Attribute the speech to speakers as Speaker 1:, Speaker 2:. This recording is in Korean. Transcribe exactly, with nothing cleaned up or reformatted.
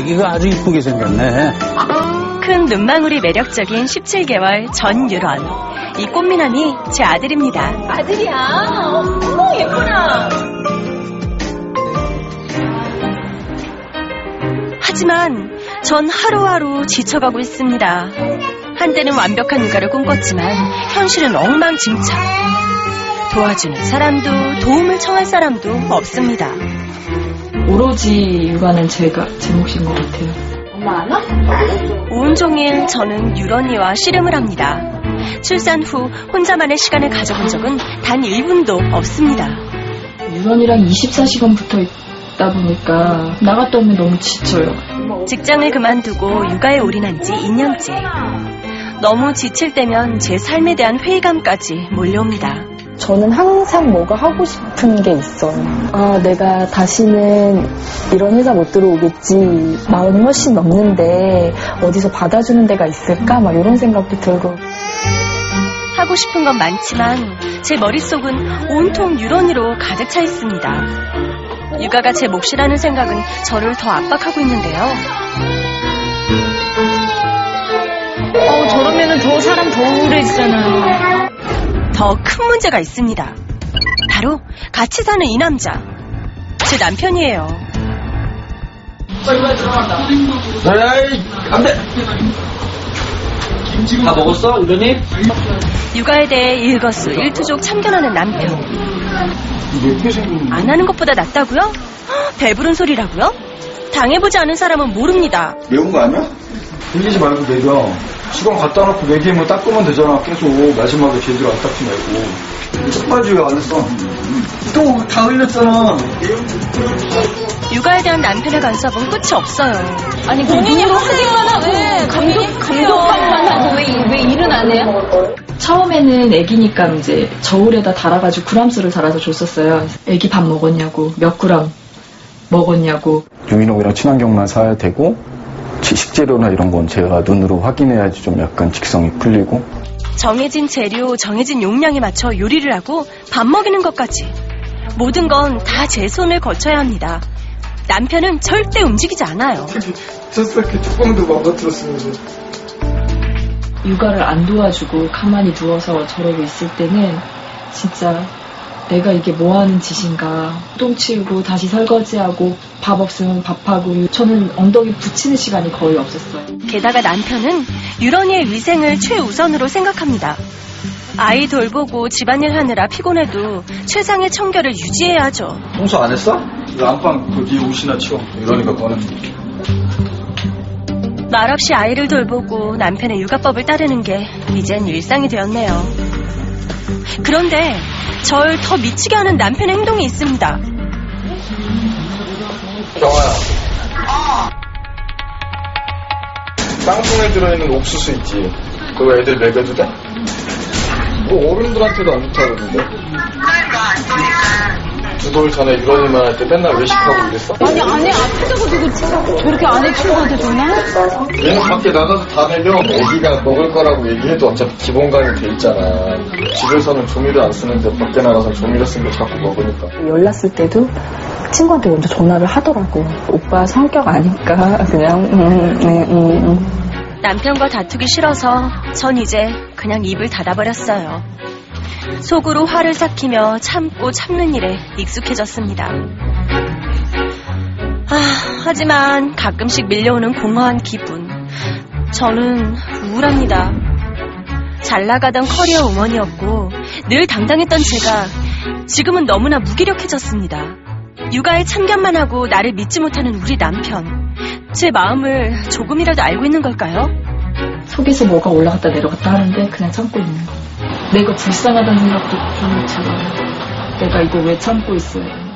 Speaker 1: 아기가 아주 이쁘게 생겼네.
Speaker 2: 큰 눈망울이 매력적인 십칠 개월 전유런. 이 꽃미남이 제 아들입니다.
Speaker 3: 아들이야? 어머, 예쁘라.
Speaker 2: 하지만 전 하루하루 지쳐가고 있습니다. 한때는 완벽한 육아를 꿈꿨지만 현실은 엉망진창. 도와주는 사람도 도움을 청할 사람도 없습니다.
Speaker 4: 오로지 육아는 제가 제 몫인 것 같아요.
Speaker 3: 엄마 안 와?
Speaker 2: 온종일 저는 유런이와 씨름을 합니다. 출산 후 혼자만의 시간을 가져본 적은 단 일 분도 없습니다.
Speaker 4: 유런이랑 이십사 시간 붙어 있다 보니까 나갔다 오면 너무 지쳐요.
Speaker 2: 직장을 그만두고 육아에 올인한 지 이 년째. 너무 지칠 때면 제 삶에 대한 회의감까지 몰려옵니다.
Speaker 5: 저는 항상 뭐가 하고 싶은 게 있어요. 아, 내가 다시는 이런 회사 못 들어오겠지. 마흔이 훨씬 넘는데 어디서 받아주는 데가 있을까? 막 이런 생각도 들고.
Speaker 2: 하고 싶은 건 많지만 제 머릿속은 온통 유런이로 가득 차 있습니다. 육아가 제 몫이라는 생각은 저를 더 압박하고 있는데요.
Speaker 3: 어, 저러면은 더 사람 더 우울해지잖아요.
Speaker 2: 더 큰 문제가 있습니다. 바로 같이 사는 이 남자. 제 남편이에요.
Speaker 6: 에이, 안 돼! 다 먹었어, 유련이?
Speaker 2: 육아에 대해 일거수일투족 참견하는 남편. 안 하는 것보다 낫다고요? 허, 배부른 소리라고요? 당해보지 않은 사람은 모릅니다.
Speaker 6: 매운 거 아니야? 흘리지 말고 먹여. 시간 갖다 놓고 먹이면 닦으면 되잖아. 계속 마지막에 제대로 안 닦지 말고. 첫바지 왜 안 했어? 또 다 흘렸잖아.
Speaker 2: 육아에 대한 남편의 간섭은 끝이 없어요.
Speaker 3: 아니, 본인이 하기만 하고, 감독, 감독만 하고, 왜, 왜 일은 안 해요?
Speaker 4: 처음에는 애기니까 이제 저울에다 달아가지고 그람수를 달아서 줬었어요. 애기 밥 먹었냐고, 몇 그램 먹었냐고.
Speaker 7: 유기농이랑 친환경만 사야 되고, 식재료나 이런 건 제가 눈으로 확인해야지 좀 약간 직성이 풀리고.
Speaker 2: 정해진 재료, 정해진 용량에 맞춰 요리를 하고 밥 먹이는 것까지. 모든 건 다 제 손을 거쳐야 합니다. 남편은 절대 움직이지 않아요.
Speaker 6: 젖살게 뚜껑도 망가뜨렸으면서.
Speaker 4: 육아를 안 도와주고 가만히 누워서 저러고 있을 때는 진짜 내가 이게 뭐하는 짓인가. 똥 치우고 다시 설거지하고 밥 없으면 밥하고. 저는 엉덩이 붙이는 시간이 거의 없었어요.
Speaker 2: 게다가 남편은 유런이의 위생을 최우선으로 생각합니다. 아이 돌보고 집안일 하느라 피곤해도 최상의 청결을 유지해야 하죠.
Speaker 6: 청소 안 했어? 그 안방 거기 옷이나 치워. 이러니까 꺼내줄게.
Speaker 2: 말없이 아이를 돌보고 남편의 육아법을 따르는 게 이젠 일상이 되었네요. 그런데 절 더 미치게 하는 남편의 행동이 있습니다.
Speaker 6: 경아야. 땅콩에 들어있는 옥수수 있지? 그거 애들 먹여도 돼? 뭐 어른들한테도 안 좋다 그러는데. 두 돌 전에 유런이만 할 때 맨날 외식하고 이랬어?
Speaker 3: 아니, 안에 아프다고 누구 저렇게 아내 친구한테 전화?
Speaker 6: 얘는 밖에 나가서 다 내려. 애기가 먹을 거라고 얘기해도 어차피 기본감이 돼 있잖아. 집에서는 조미료 안 쓰는데 밖에 나가서 조미료 쓴 거 자꾸 먹으니까.
Speaker 5: 연락쓸 때도 친구한테 먼저 전화를 하더라고. 오빠 성격 아니까 그냥 음, 네, 음, 음.
Speaker 2: 남편과 다투기 싫어서 전 이제 그냥 입을 닫아버렸어요. 속으로 화를 삭히며 참고 참는 일에 익숙해졌습니다. 아, 하지만 가끔씩 밀려오는 공허한 기분. 저는 우울합니다. 잘 나가던 커리어 우먼이었고 늘 당당했던 제가 지금은 너무나 무기력해졌습니다. 육아에 참견만 하고 나를 믿지 못하는 우리 남편. 제 마음을 조금이라도 알고 있는 걸까요?
Speaker 4: 속에서 뭐가 올라갔다 내려갔다 하는데 그냥 참고 있는 거. 내가 불쌍하다는 생각도 좀 들어요. 내가 이거 왜 참고 있어요.